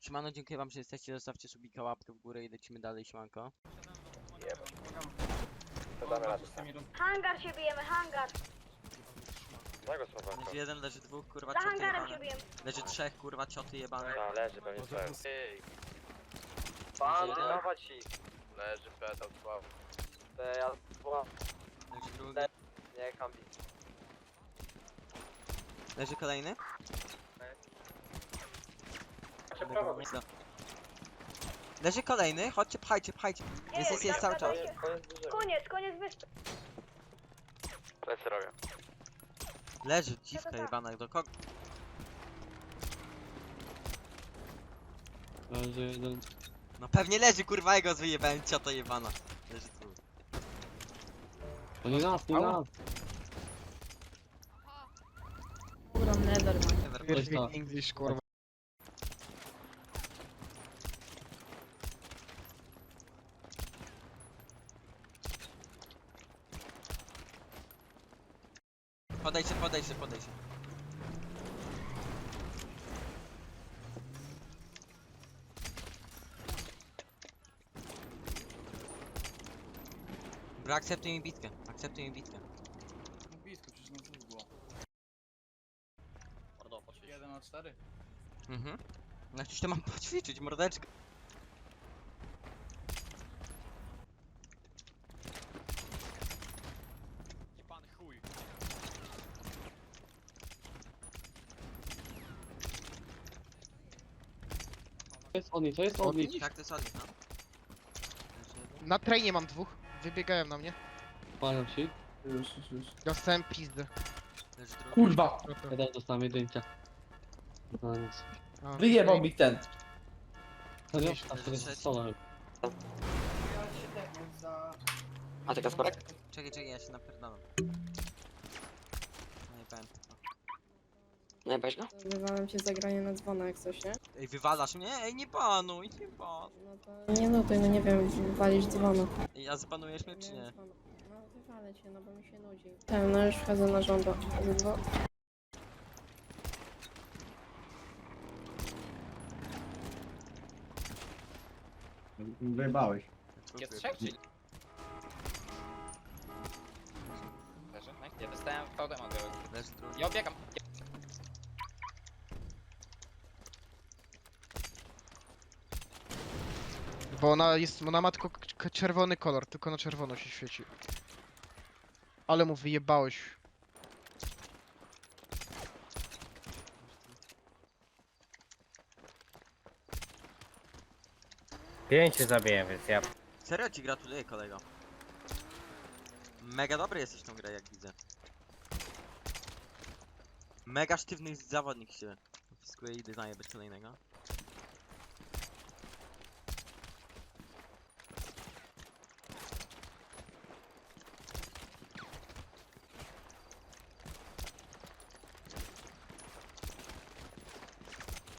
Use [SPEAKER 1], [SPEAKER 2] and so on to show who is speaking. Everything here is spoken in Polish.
[SPEAKER 1] Siemano, dziękuję wam, że jesteście, zostawcie subika, łapkę w górę i lecimy dalej, siemanko.
[SPEAKER 2] To damy radę.
[SPEAKER 3] Hangar się bijemy, hangar.
[SPEAKER 2] Mojego słowa.
[SPEAKER 1] Leży jeden, leży dwóch, kurwa,
[SPEAKER 3] Za
[SPEAKER 1] cioty
[SPEAKER 3] hangarem się
[SPEAKER 1] jebane.
[SPEAKER 3] bijemy.
[SPEAKER 1] Leży trzech, kurwa, cioty jebane.
[SPEAKER 2] A, leży pewnie swoją.
[SPEAKER 4] Bandynować ich.
[SPEAKER 2] Leży pedał sław.
[SPEAKER 4] Ja
[SPEAKER 1] Leży drugi.
[SPEAKER 4] nie kambi.
[SPEAKER 1] Leży kolejny. No. Leży kolejny, chodźcie, pchajcie, pchajcie. Jest cały czas.
[SPEAKER 3] Koniec wyspy.
[SPEAKER 2] Plecy robię.
[SPEAKER 1] Leży dziwka jebana, do kogo?
[SPEAKER 5] Leży jeden.
[SPEAKER 1] No pewnie leży, kurwa, jego wyjebałem, ciota jebana. Leży tu.
[SPEAKER 5] To nie nas, nie nas.
[SPEAKER 6] Kurwa, nether man.
[SPEAKER 1] Never.
[SPEAKER 5] To.
[SPEAKER 7] English, kurwa.
[SPEAKER 1] Podejście. Bro, akceptuj mi bitkę.
[SPEAKER 7] No blisko, przecież na dwóch było.
[SPEAKER 4] Mordo, poszli.
[SPEAKER 7] 1 na 4.
[SPEAKER 1] Mhm. No przecież to mam poćwiczyć, mordeczkę.
[SPEAKER 4] Pan chuj.
[SPEAKER 5] To jest on nic.
[SPEAKER 1] Tak, to jest odnik, no.
[SPEAKER 7] Na trainie mam dwóch. Wybiegają na mnie.
[SPEAKER 5] Palą się.
[SPEAKER 7] Dostałem pizdę.
[SPEAKER 1] Leży drugi.
[SPEAKER 8] Kurwa!
[SPEAKER 5] Jeden dostałem jedynkę. No nic.
[SPEAKER 7] A,
[SPEAKER 8] Wyjebał mi ten.
[SPEAKER 5] Serio? A to jest solo.
[SPEAKER 4] A ty Kasparek?
[SPEAKER 1] Czekaj, ja się napierdalam. No i powiem.
[SPEAKER 4] Nie, weź go?
[SPEAKER 6] Wywałem cię zagranie na dzwona jak coś, nie?
[SPEAKER 1] Ej, wywalasz mnie? Ej, nie banuj.
[SPEAKER 6] No to nie nutuj, no nie wiem, walić dzwona.
[SPEAKER 1] Ej, a zbanujesz mnie czy nie?
[SPEAKER 6] No wywalę cię, no bo mi się nudzi. Tak, no już wchodzę na żąda. Dwa.
[SPEAKER 8] Wyjebałeś.
[SPEAKER 4] Jest trzech, czy... Leży? Ja dostałem VD mogę.
[SPEAKER 1] Leży drugi.
[SPEAKER 4] Ja obiegam.
[SPEAKER 7] Bo ona ma tylko czerwony kolor, tylko na czerwono się świeci. Ale mu wyjebałeś.
[SPEAKER 9] Pięciu zabiję, więc ja...
[SPEAKER 1] Serio ci gratuluję, kolego. Mega dobry jesteś w tą grę, jak widzę. Mega sztywny zawodnik się. Wpiskuję i designie bez kolejnego.